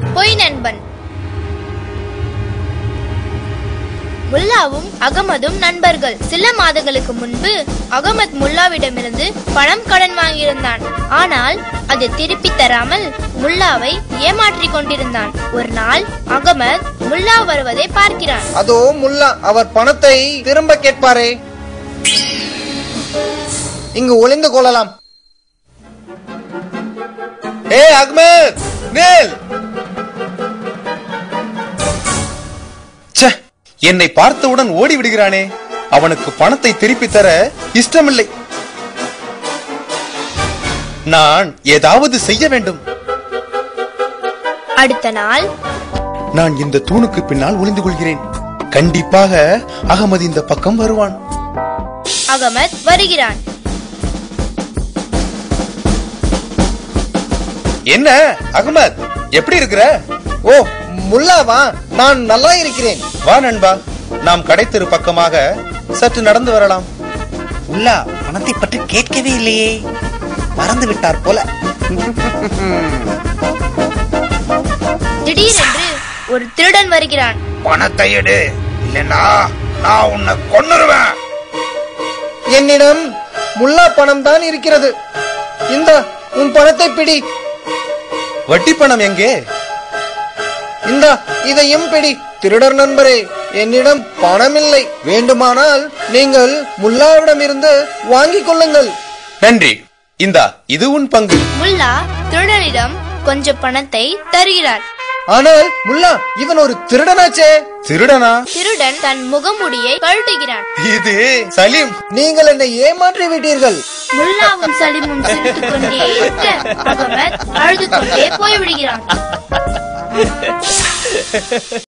பொய் நண்பன். முல்லாவும் அகமதும் நண்பர்கள். சில மாதங்களுக்கு முன்பு அகமது முல்லாவிடமிருந்து பணம் கடன் வாங்கியிருந்தான். ஆனால் அதை திருப்பி தராமல் முல்லாவை ஏமாற்றிக் கொண்டிருந்தான். ஒரு நாள் அகமது முல்லா வருவதை பார்க்கிறான். அதோ முல்லா, அவர் பணத்தை திரும்ப கேட்பாரே, இங்கு ஒளிந்து கொள்ளலாம். ஏ அகமது, நில்! என்னை பார்த்தவுடன் ஓடி விடுகிறானே. அவனுக்கு பணத்தை திருப்பி தர இஷ்டமில்லை. நான் ஏதாவது செய்ய வேண்டும். அடுத்த நாள் நான் இந்த தூணுக்கு பின்னால் ஒளிந்து கொள்கிறேன். கண்டிப்பாக அகமது இந்த பக்கம் வருவான். அகமது வருகிறான். என்ன அகமது, எப்படி இருக்கிற? ஓ முல்லாவா, நான் நல்லா இருக்கிறேன். வா நண்பா, நாம் கடைத்தெரு பக்கமாக சற்று நடந்து வரலாம். முல்லா பணத்தை பற்றி கேட்கவே இல்லையே, மறந்து விட்டார் போல. திடீரென்று ஒரு திருடன் வருகிறான். பணத்தை எடு, இல்லைன்னா நான் உன்னை கொன்னுருவேன். என்னிடம் முல்லா பணம் தான் இருக்கிறது. இந்த உன் பணத்தை பிடி. வட்டி பணம் எங்கே? இந்த இதையும் பிடி. திருடர் நண்பரே, என்னிடம் பணம் இல்லை. வேண்டுமானால் நீங்கள் முல்லாவிடம் இருந்து வாங்கிக் கொள்ளுங்கள். நன்றி. இந்தா, இது உன் பங்கு. முல்லா திருடனிடம் கொஞ்சம் பணத்தை தருகிறார். ஆனால் முல்லா, இவன் ஒரு திருடனாச்சே. திருடனா? திருடன் தன் முகமுடியை கழட்டுகிறான். இது சலீம், நீங்கள் என்னை ஏமாற்றி விட்டீர்கள். முல்லாவும் சலீமும் சிரித்துக் கொண்டே இருக்க அகமது அழுது கொண்டே போய்விடுகிறான்.